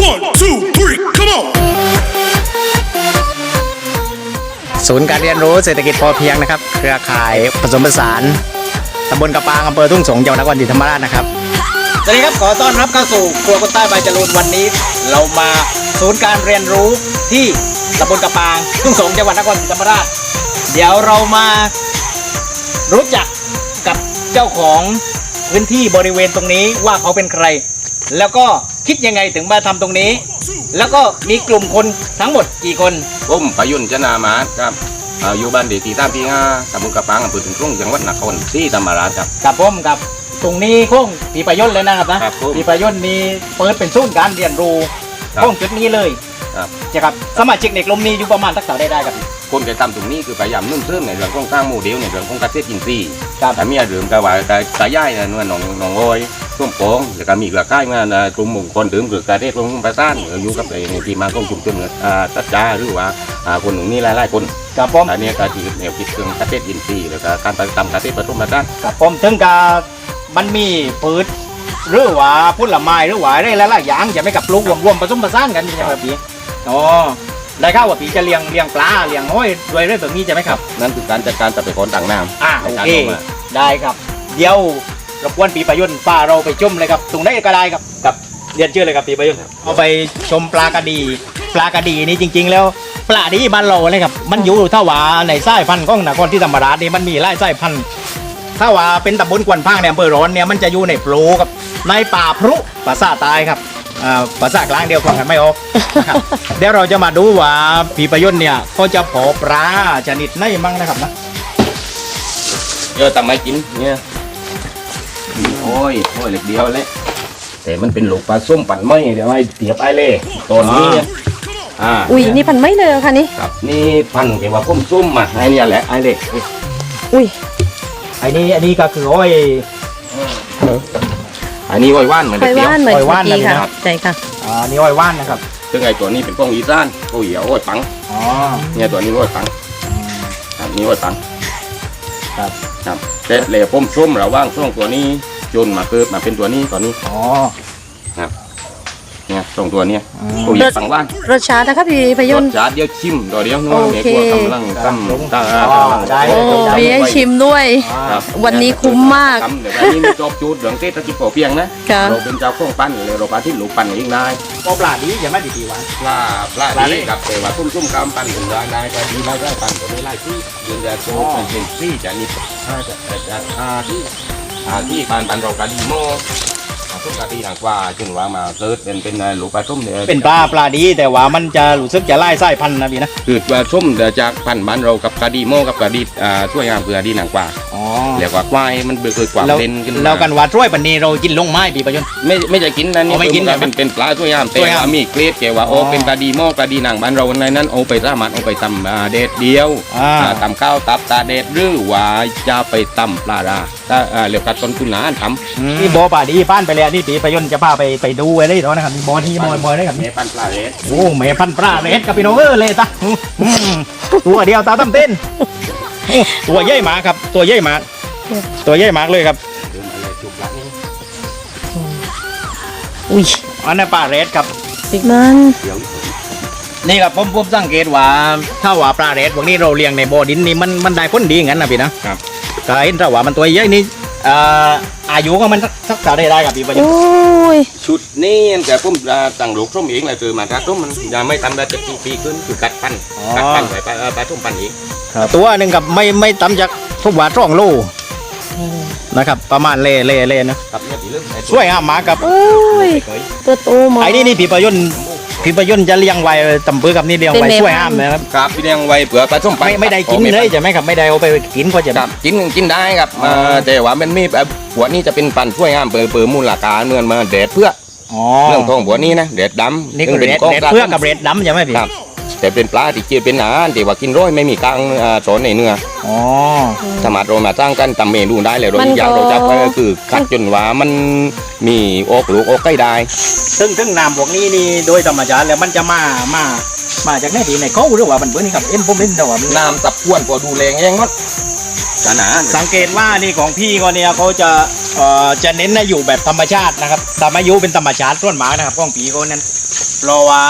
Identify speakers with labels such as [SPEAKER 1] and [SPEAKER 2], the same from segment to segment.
[SPEAKER 1] 1, 2, 3, come on!
[SPEAKER 2] ศูนย์การเรียนรู้เศรษฐกิจพอเพียงนะครับเครือข่ายผสมผสานตำบลกระปางอำเภอทุ่งสงศ์จังหวัดนครศรีธรรมราชนะครับสวัสดีครับขอต้อนรับเข้าสู่ครัวคนใต้บายจรูนวันนี้เรามาศูนย์การเรียนรู้ที่ตำบลกระปางทุ่งสงศ์จังหวัดนครศรีธรรมราชเดี๋ยวเรามารู้จักกับเจ้าของพื้นที่บริเวณตรงนี้ว่าเขาเป็นใครแล้วก็คิดยังไงถึงมาทำตรงนี้แล้วก็มีกลุ่มคนทั้งหมดกี่คน
[SPEAKER 3] ผมประยุนชนามาครับอยู่บ้านเด็กที่3 ตำบลกระปังอำเภอถึงกรุงจังหวัดนครศรีธรรมราชครับ
[SPEAKER 2] กับผมกับตรงนี้คงปีประยนต์เลยนะครับนะครับปีประยนต์มีเปิดเป็นศูนย์การเรียนรู้คงจุดนี้เลย
[SPEAKER 3] ครับ
[SPEAKER 2] จะครับสมาชิกในกลุ่มนี้อยู่ประมาณสักเท่าได้ครับ
[SPEAKER 3] คนจะทำตรงนี้คือพยายามนุ่มเสริมในเรื่องของสร้างโมเดลในเรื่องของเกษตรอินทรีย์
[SPEAKER 2] ครับ
[SPEAKER 3] แต่มีเรื่องกว่าตายายนะนวลหนองโอยส้มโป่งแล้วก็มีกระค่ายมากลุ่มมงคลถึงคือการเทศลงประสานอยู่กับในที่มาของกลุ่มชนตัดจ้าหรือว่าคนหนุ่มนี่หลายๆคน
[SPEAKER 2] กับผม
[SPEAKER 3] อันนี้ก็คือแนวคิดเรื่องเกษตรอินทรีย์แล้วก็การทำเกษตรผสมผสาน
[SPEAKER 2] กับผมถึงกับมันมีพืชหรือว่าผลไม้หรือว่าอะไรหลายๆอย่างจะไม่กับปลูกรวมผสมผสานกันใช่ไหมพี่อ๋อได้ข่าวว่าพี่จะเลี้ยงปลาเลี้ยงห้อยด้วยแบบนี้ใช่ไหมครับ
[SPEAKER 3] นั่นคือการจัดการทรัพยากรต่างน้ำ
[SPEAKER 2] โอเคได้ครับเดี๋ยวรบกวนปีประยุนต์ป้าเราไปชมเลยครับตรงไหนก็ได้ครับกับเรียนชื่อเลยครับปีประยุนต์เอาไปชมปลากระดีนี่จริงๆแล้วปลาดีบ้านเราเลยครับมันอยู่ถ้าว่าในสายพันธุ์ของนครที่ธรรมราชนี่มันมีหลายสายพันธุ์ถ้าว่าเป็นตำบลกวนพางในอำเภอร้อนเนี่ยมันจะอยู่ในโปรกับในป่าพรุภาษาใต้ครับภาษากลางเดียวฟังกันไม่ออกนะครับเดี๋ยวเราจะมาดูว่าปีประยุนต์เนี่ยเขาจะเพาะปลาชนิดไหนมั่งนะครับนะ
[SPEAKER 3] เยอะทำไมกินเนี่ยโอ้ยเล็กเดียวเลยแต่มันเป็นลูกปลาส้มปั่นไม่เดี๋ยวให้เตียบไอ้เล่ตอนนี้
[SPEAKER 4] อุ้ยนี่พันไม่เลยค่ะนี่
[SPEAKER 3] ครับนี่พันเกี่ยวกับส้มไอ้เนี่ยแหละไอ้เล่
[SPEAKER 4] อุ้ย
[SPEAKER 2] ไอ้นี่ก็คืออ้อย
[SPEAKER 3] อันนี้อ้อยว่านเหมือนเดียว
[SPEAKER 4] อ้อยว่านนะครับใช่ค่ะ
[SPEAKER 2] นี่อ้อยว่านนะครับ
[SPEAKER 3] ซึ่งไอ้ตัวนี้เป็นกล้องอีสานโอ้ยอ้อยปังเนี่ยตัวนี้อ้อยปังครับนี่อ้อยปังครับแต่เหล่ป้มส้มระว่างช่วงตัวนี้จนมาเกิดมาเป็นตัวนี้ตอนนี้ครับเนี่ยตรงตัวเนี้ยโอ้ยปังว่าน
[SPEAKER 4] รสชาตินะครับพี่พยนต์
[SPEAKER 3] รสชาติเดียวชิมตัวเดียวนัวเมียกลัวกำลังตั้ม
[SPEAKER 4] โอ้มีให้ชิมด้วยวันนี้คุ้มมาก
[SPEAKER 3] เดี๋ยวนี้จบจูดเหลืองเต้ตะกี้พอเพียงนะเราเป็นเจ้าของปั้นเลยเราปลาที่หลูกปั้นเองได้
[SPEAKER 2] ปลาดีอย่ามาดีๆวัน
[SPEAKER 3] ปลาดีกับแต่ว่าทุ่มๆกำปั้นถึงได้ปลาดีได้ปั้นตัวนี้ไล่ที่ยืนยันโชว์เป็นซี่จะนี่ที่ปั้นเราปลาดีโม่ทุกกะทิหนักว่าจนว่ามาเกิดเป็นลูกปลาส้มเนี่ย
[SPEAKER 2] เป็นปลาดีแต่ว่ามันจะรู้สึกจะไล่ไส้พันธุ์นะพี่นะ
[SPEAKER 3] คือปลาส้มจากพันธุ์บ้านเรากับกะดีโม่กับกะดีช่วยงามคือกะดีหนักกว่าเรียกว่าควายมันเกิดความเป็นขึ้น
[SPEAKER 2] แล้วกันว่าช่วยปันนี้เรากินลงไม้พี่ประยุทธ์
[SPEAKER 3] ไม่จะกินนะนี่ไม่กินเป็นปลาช่วยงามแต่ว่ามีเกล็ดแกว่าโอ้เป็นกะดีโม่กะดีหนังบ้านเราในนั้นเอาไปสามารถเอาไปตำเด็ดเดียวตำข้าวตับตาเด็ดหรือว่าจะไปตำปลาราถ้าเรียกว่าต้นทุนหนาท
[SPEAKER 2] ำนี่บ่อปลาดีป้านไปแล้วนี่ปีประยุทธ์จะพาไปดูอะไรต่อนะครับมีบ่อที่บ่อได้ครับ
[SPEAKER 3] เมพันปลาเรส
[SPEAKER 2] โอ้เมพันปลาเรสกับพี่น้องเลยตาตัวเดียวตาตั้มเต้นตัวใหญ่มากครับตัวใหญ่มากเลยครับ
[SPEAKER 4] อุ้ย
[SPEAKER 2] อันนี้ปลาเรสครับ
[SPEAKER 4] มัน
[SPEAKER 2] นี่ครับผมสังเกตว่าถ้าว่าปลาเรสพวกนี้เราเลี้ยงในบ่อดินนี่มันได้ผลดีงั้นนะพี่นะครับก็เห็นถ้าว่ามันตัวใหญ่นี่อายุก็มันสักเท่าได้ครับพี่ประยุทธ์
[SPEAKER 3] ชุดนี้แต่ผมตั้งลูกส้มเองเลยคือมาถ้าส้มมันยังไม่ทำได้จะปีขึ้นคือกัดปั้นไปปลาส้มปั้นอีก
[SPEAKER 2] ตัวหนึ่งกับไม่ต่ำจากทุกว่า2 โลนะครับประมาณเล่นะครับช่วยงามมากครับ
[SPEAKER 4] ตัวโตมา
[SPEAKER 2] ไอ้นี่พี่ประยุทธ์จะเลี้ยงไว้ตำปื้อกับนี่เลี้ยงไว้ช่วยห้ามนะครับ
[SPEAKER 3] ครับพี่เลี้ยงไว้เผื่อปลาส้ม
[SPEAKER 2] ไม่ได้กินเลยใช่ไหมครับไม่ได้เอาไปกินก็จะ
[SPEAKER 3] กินได้ครับแต่ว่ามันมีหัวนี้จะเป็นปันช่วยห้ามเปิดมูลค่าเงินมาเด็ดเพื่อเรื่องของหัวนี้นะเด็ดดำ
[SPEAKER 2] นี่คือเด็ดเพื่อกับเด็ดดำใช่ไหมพี่
[SPEAKER 3] แต่เป็นปลาที่กินเป็นอาหารที่ว่ากินร้อยไม่มีกลางสอนในเนื้อสามารถเรามาสร้างกันทำเมนูได้เลยโดยอย่างเราจับก็คือคัดจนว่ามันมีอกหลูกอกใกล้ได้
[SPEAKER 2] ซึ่งน้ำพวกนี้นี่โดยธรรมชาติแล้วมันจะมาจากไหนที่ไหนเขาหรือว่ามันเบื่อนี่ครับผมเล่นแต่ว่า
[SPEAKER 3] น้ำตับกวนพอดูแรงแย่งมั้ง
[SPEAKER 2] สังเกตว่านี่ของพี่ก็เนี่ยเขาจะเน้นอยู่แบบธรรมชาตินะครับธรรมยุเป็นธรรมชาติต้นหมานะครับของพี่เขานั้นเพราะว่า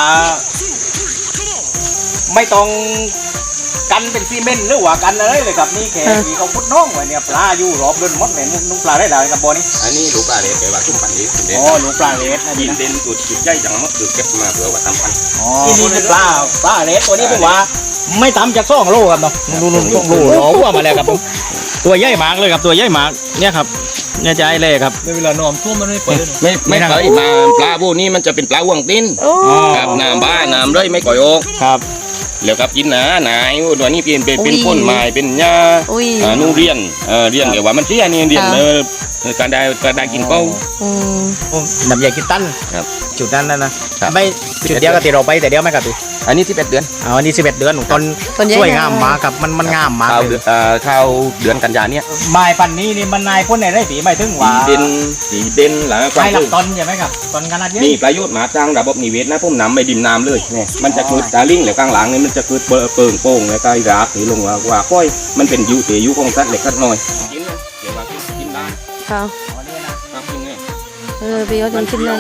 [SPEAKER 2] ไม่ต้องกันเป็นซีเมนต์หรือว่ากันอะไรเลยครับนี่แค่ที่เขาพุดน้องไว้เนี่ยปลาอยู่รอบเดินมดเนี่ยนุ่งปลาได้หลายครับบ่อนี้
[SPEAKER 3] อันนี้ลูกปลาเล็กแต่ว่าชุ่มปันนี้เด่น
[SPEAKER 2] อ๋อลูกปลาเลสนะ
[SPEAKER 3] กิ
[SPEAKER 2] พี่
[SPEAKER 3] น
[SPEAKER 2] นะ
[SPEAKER 3] เด่นตัวจุดใหญ่จังมากคือเก็บมาเพื่อว่าทำพัน
[SPEAKER 2] อ๋อนี่คือปลาเลสตัวนี้ผมว่า ไม่ต่ำจาก2 โลครับเนาะดู2 โลร้อหัวมาแล้วครับผมตัวใหญ่มากเลยครับตัวใหญ่มากเนี่ยครับเนี่ยใจเลยครับ
[SPEAKER 5] เวลานอมท่วมมันไม่เปิด
[SPEAKER 3] ไม่เคยมาปลาพวกนี้มันจะเป็นปลาห่วงติ้น
[SPEAKER 4] โอ้
[SPEAKER 3] ครับน้ำบ้าน้ำเลยไม่ก่อยออก
[SPEAKER 2] ครับ
[SPEAKER 3] แล้วกับกินหนาหนายตัวนี้เป็นพ่นไม้เป็นหญ้า
[SPEAKER 4] อุ้ย
[SPEAKER 3] นู่เรียนเรียนเกี่ยวว่ามันเสียนี่เรียนการได้กินเป้า
[SPEAKER 4] อืม
[SPEAKER 2] น้ำใหญ่กินตั้น
[SPEAKER 3] ครับ
[SPEAKER 2] จุดนั้นนะครับ ไม่จุดเดียวกับที่เราไปแต่เดียวไหมครับพี่
[SPEAKER 3] อันนี้11 เดือน
[SPEAKER 2] อ๋อนี่11 เดือนตอน
[SPEAKER 4] ต้นใหญ่
[SPEAKER 2] สวยงามมากครับมันงามมาก
[SPEAKER 3] เข้า
[SPEAKER 2] เลย
[SPEAKER 3] เข้าเดือนกันยาเนี่ย
[SPEAKER 2] ไม้ปันนี้นี่มันนายพ่นในไร่ปีไม่ถึงว่า
[SPEAKER 3] สีเด่นหลังควา
[SPEAKER 2] ไม้
[SPEAKER 3] ม
[SPEAKER 2] หลักตอนใช่ไหมครับตอนขนาดเยอะ
[SPEAKER 3] นี่ประโยชน์มาสร้างระบบนิเวศนะพุ่มน้ำไม่ดิมน้ำเลยเนี่ยมันจะเกิดตาลิ่งแล้วกลางหลังนี่มันจะเกิดเปิงโป่งแล้วก็รากหรือลงว่าค่อยมันเป็นยูเตยูของสัตว์เล็กสัตว์น้อยกินนะเดี๋ยวว่ากินได้
[SPEAKER 4] ค่ะ
[SPEAKER 3] กินเนี่ย
[SPEAKER 4] พี่ยศยังชิมเลย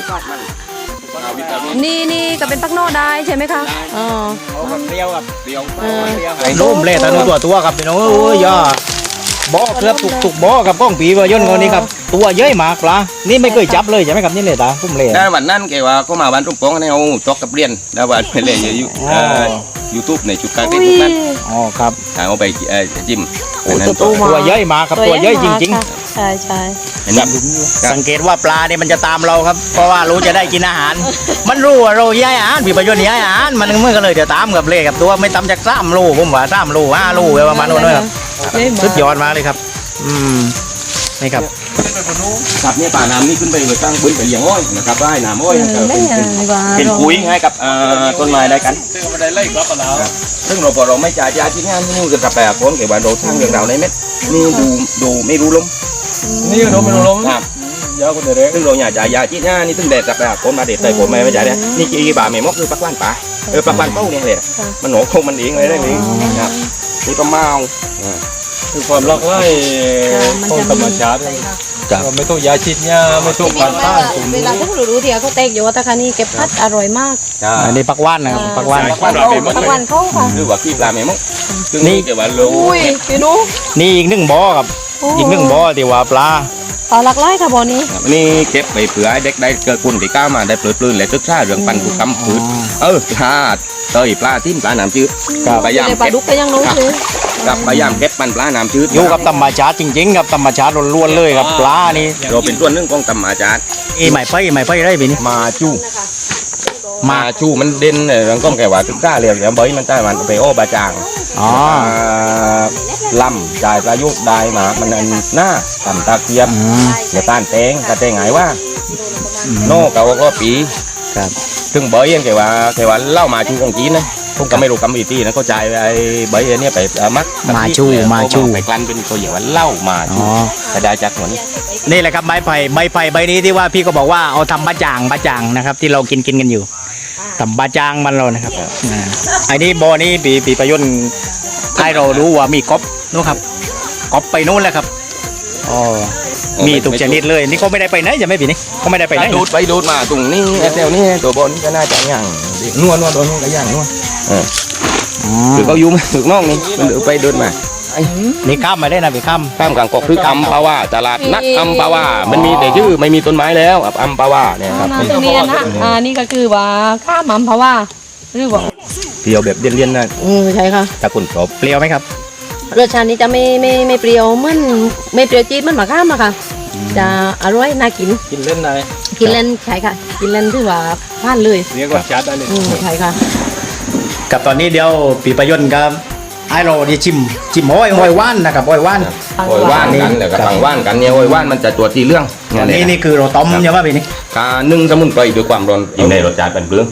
[SPEAKER 4] นี่ก็เป็นปักโน่ได้ใช่ไหมคะอ๋อ
[SPEAKER 2] เปรี้ยวครับ
[SPEAKER 3] เดียว
[SPEAKER 2] ไอ้นุ่มเละตานุ่มตัวครับพี่น้องโอ้ยย่าบ่อเกือบถูกบ่อกับก้องปีวายนคนนี้ครับตัวเยอะมากปลานี่ไม่เคยจับเลยใช่ไหมครับนี่เลยตาพุ่มเละ
[SPEAKER 3] ได้วันนั้นแกว่าเขามาบ้านรุ่งโป่งให้เอาจอกกับเรียนได้วันไปเลยอยู่ยูทูบในจุดการเต้นพวกนั้น
[SPEAKER 2] อ๋อครับ
[SPEAKER 3] เอาไปจิ้ม
[SPEAKER 2] ตัวเยอะมากครับตัวเยอะจริง
[SPEAKER 4] ใช่ใช่
[SPEAKER 2] ๆ สังเกตว่าปลาเนี่ยมันจะตามเราครับเพราะว่ารู้จะได้กินอาหาร มันรู้ว่าเราย้ายอาหารผีประโยชน์ย้ายอาหารมันเมื่อก็เลยจะตามกับเละกับตัวไม่ต่ำจาก3 โลผมว่า3 โล5 โลประมาณนั้นครับสุดยอดมากเลยครับนี่ครับ
[SPEAKER 3] ครับเนี่ยป่าน้ำนี่ขึ้นไปเลยตั้งบนไปเลี้ยงอ้อยนะครับได้น้ำอ้อยเป็นปุ๋ยให้กับต้นไม้ได้กัน
[SPEAKER 5] มันได้ไล่กลับมาแล้ว
[SPEAKER 3] ซึ่งเราพอเราไม่จ่ายยาที่งานนี่จะกระแปะคนเกี่ยวกับเราทางเรื่องราวในเม็ดนี่ดูไม่รู้ลม
[SPEAKER 5] นี่ก็โดนมันลง
[SPEAKER 3] ครับ
[SPEAKER 5] ยาวคนเดียว
[SPEAKER 3] ซึ่งเราอยากจ่ายยาที่งานนี่ซึ่งแดดกระแปะคนมาเด็ดใส่ผมไม่จ่ายเนี่ยนี่กี่บาทไม่มอกคือปักบ้านป่าปักบ้านเป้าเนี่ยเลยมันหนคงมันเองเลยได้เลยครับนี่ก็เมา
[SPEAKER 5] คือความรักไล่ของธรรมชาติไม่ต้องยาฉีดยาไม่ต้องผ่านต้านสูง
[SPEAKER 4] เวลาพวกเรารู้ที่เขาเตกอยู่ว่าตะคานี่เก็บพัดอร่อยมาก
[SPEAKER 2] อันนี้ปักว่านนะครับปักว่าน
[SPEAKER 4] ปักวันเขาค่ะ
[SPEAKER 3] หรือว่าขี้ปลาไม่มอกซึ่งนี่เกี่ยวกับโล
[SPEAKER 4] อุ้ยพี่นุ๊ก
[SPEAKER 2] นี่อีก1 บ่อครับอีก1 บ่อที่ว่าปลา
[SPEAKER 4] ปลาหลักไล่ค่ะบ่อนี้
[SPEAKER 3] นี่เก็บไปเผื่อเด็กได้เกิดคุณที่ก้าวมาได้ปลื้มและศึกษาเรื่องปันธุกรรมพืชพลาดเตยปลาทิ้มปลาน้ำจืดพยายาม
[SPEAKER 4] ปลาดุกก็ยังรู้เลย
[SPEAKER 3] กับพยายามเก็บปันปลาน้ำจืด
[SPEAKER 2] อยู่กับธรรมชาติจริงๆครับธรรมชาติล้วนๆเลยครับปลานี่
[SPEAKER 3] เราเป็นส่วนหนึ่งของธรรมชาติ
[SPEAKER 2] หมายไปได้ปีนี้
[SPEAKER 3] มาชูมันเด่นเรื่องก้องแก่ว่าศึกษาเรื่องเดี๋ยวเบยมันได้มันไปโอบาจาง
[SPEAKER 2] อ๋อ
[SPEAKER 3] ลำจ่ายประยุกต์ได้มามันหน้าทำตาเกียบเดี๋ยวต้านเตงกระเตงหายว่าโน่เก่าก็ปี
[SPEAKER 2] ครับ
[SPEAKER 3] ถึงเบยยังแกว่าเล่ามาชูของจีนนะผมก็ไม่รู้กรรมวิธีนะเขาจ่ายไอ้เบยเนี่ยไปมักไปกลั่นเป็นตัวอย่างว่าเล่ามาชู
[SPEAKER 2] อ๋อ
[SPEAKER 3] แต่ได้จากหัวนี้
[SPEAKER 2] นี่แหละครับใบไผ่ใบนี้ที่ว่าพี่ก็บอกว่าเอาทำบะจ่างนะครับที่เรากินกันอยู่ทำบะจ่างมันเรานะครับไอ้นี่บ่อนี้ปีประยุทธ์ให้เรารู้ว่ามีก๊อบนู้นครับก๊อบไปนู้นแล้วครับอ๋อมีทุกชนิดเลยนี่เขาไม่ได้ไปไหนจะไม่ปีนี้เขาไม่ได้ไปไหน
[SPEAKER 3] ดูดไปดูดมาตรงนี้แถวนี้ตัวบนก็น่าจะย่างนวลตัวนู้นก็ย่างนวลหรือเขายุ่งถึงนอกนี่มันดูไปเดินมา
[SPEAKER 2] นี่ข้ามมาได้นะพี่ข้าม
[SPEAKER 3] ข้ามกลางกอกคืออัมพาวาตลาดนัดอัมพาวามันมีแต่ชื่อไม่มีต้นไม้แล้วอัมพาวาเนี่ยครับ
[SPEAKER 4] น้ำตรงนี้นะนี่ก็คือว่าข้ามเพราะว่าหรือว่า
[SPEAKER 3] เปรี้ยวแบบเลี่ยนๆนะ
[SPEAKER 4] ใช่ค่ะ
[SPEAKER 3] ถ้าคุณชอบ
[SPEAKER 2] เปรี้ยวไหมครับ
[SPEAKER 4] รสชาตินี้จะไม่เปรี้ยวมันไม่เปรี้ยวจี๊ดมันมะข้ามอะค่ะ จะอร่อยน่ากิน
[SPEAKER 5] กินเล่นได้
[SPEAKER 4] กินเล่นใช่ค่ะ กินเล่นถือว่าพลาดเลย
[SPEAKER 5] เรียกว่าชาร์จได้เลย
[SPEAKER 4] ใช่ค่ะ
[SPEAKER 2] กับตอนนี้เดี๋ยวปีประยุทธ์ครับไอ้เราที่ชิมห้อยว่านนะครับห้อยว่าน
[SPEAKER 3] โอยว่านกันเดี๋ยวกับฝั่งว่านกันเนี่ยโอยว่านมันจะตัวที่เรื่อง
[SPEAKER 2] นี่คือเราต้มใช่ไหมปีนี้
[SPEAKER 3] การนึ่งสมุนไพรด้วยความร้อนอยู่ในรสชาติเป็นเปลือง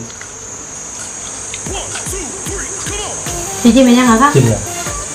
[SPEAKER 4] จริงๆเป็นยังไงคะ
[SPEAKER 5] กินเลย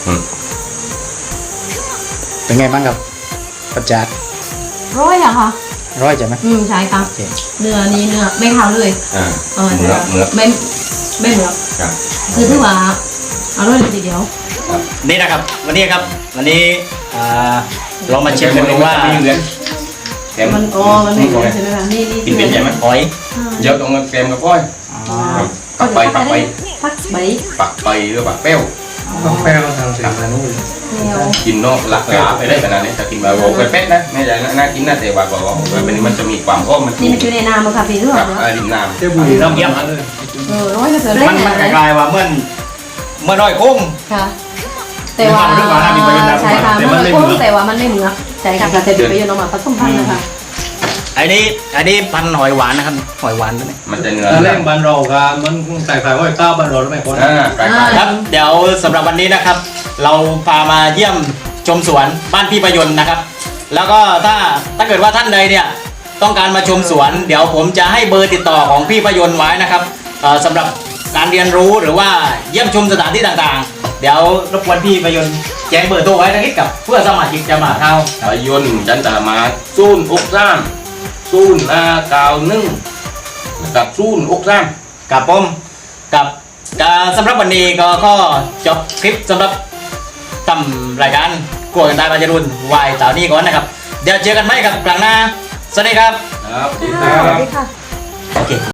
[SPEAKER 2] เป็นไงบ้างครับประจัด
[SPEAKER 4] ร้อยอะค่ะ
[SPEAKER 2] ร้อยใช่ไหม
[SPEAKER 4] ใช่ค่ะเนื้อนี้เนื้อไม่ขาวเลย
[SPEAKER 3] เนื้อ
[SPEAKER 4] ไม่เหมือน
[SPEAKER 3] ครับ
[SPEAKER 4] คือถือว่าอร่อยเลยทีเดียว
[SPEAKER 2] นี่นะครับวันนี้เรามาเช็คกันดูว่า
[SPEAKER 3] แกม
[SPEAKER 4] มันมันไม่เหมือนใช่ไหมคะนี่
[SPEAKER 3] กินเป็นใช่ไหม
[SPEAKER 2] หอย
[SPEAKER 3] เยอะตรงแกมกับก้อย
[SPEAKER 4] ก็
[SPEAKER 3] ปัก
[SPEAKER 4] จะ
[SPEAKER 3] ไป
[SPEAKER 4] พักใบ
[SPEAKER 3] ปักไปหรือปักเป้ว
[SPEAKER 5] แป้งเราทำเสร็จแล้วนู่น
[SPEAKER 4] แนว
[SPEAKER 3] กินนอกหลักขาไปได้ขนาดนี้แต่กินแบบโอ้ไปเป็ดนะไม่ใช่น่ากินนะแต่ว่าบอกว่ามันจะมีความอ้อมมัน
[SPEAKER 4] นี่มันอยู่ในน้ำอะค่ะพี่รู้
[SPEAKER 3] ค
[SPEAKER 4] ไห
[SPEAKER 3] รั
[SPEAKER 4] ม
[SPEAKER 3] บริมน้ำ
[SPEAKER 5] เจ้าบุรีน้ำเยี่ยมเลย
[SPEAKER 4] ร้อยก็เสือเล่
[SPEAKER 2] มัน
[SPEAKER 4] นอะไร
[SPEAKER 2] คล้ายๆว่าเมื่อน้อยกุ้ง
[SPEAKER 4] ค่ะแต่ว่าใช่ค่ะมันไม่คุ้มแต่ว่ามันไม่เหมือนใช่ค่ะแต่เป็นประโยชน์ออกมาผสมพันธุ์นะคะ
[SPEAKER 2] อันนี้พันธุ์หอยหวานนะครับหอยหวานด้วย
[SPEAKER 3] มันจะเนื้อ
[SPEAKER 5] ถ้าเล่งบันเรากันมันแตกต่างว่าข้าวบันเราไม่คน
[SPEAKER 3] ใกล้
[SPEAKER 2] ครับเดี๋ยวสำหรับวันนี้นะครับ เราพามาเยี่ยมชมสวนบ้านพี่ประยนต์นะครับ แล้วก็ถ้าเกิดว่าท่านใดเนี่ยต้องการมาชมสวน เดี๋ยวผมจะให้เบอร์ติดต่อของพี่ประยนต์ไว้นะครับสำหรับการเรียนรู้หรือว่าเยี่ยมชมสถานที่ต่างๆ เดี๋ยวรบกวนพี่ประยนต์แจ้งเบอร์โทรไว้สักนิดกับเพื่อสมาชิกจะมาเข้า
[SPEAKER 3] ๆไปยนต์จันตามาซูนอกซ้ำซูนกาวนึ่งกับซูนอกซ้
[SPEAKER 2] กับผมกับสำหรับวันนี้ก็จบคลิปสำหรับทำรายการกลัวกันได้บรรจรุนวายสาวนี้ก่อนนะครับ เดี๋ยวเจอกันไหมครับครั้งหน้าสวัสดีครับ
[SPEAKER 3] ำครับ
[SPEAKER 4] สวัสดีค่ะ
[SPEAKER 2] โอเค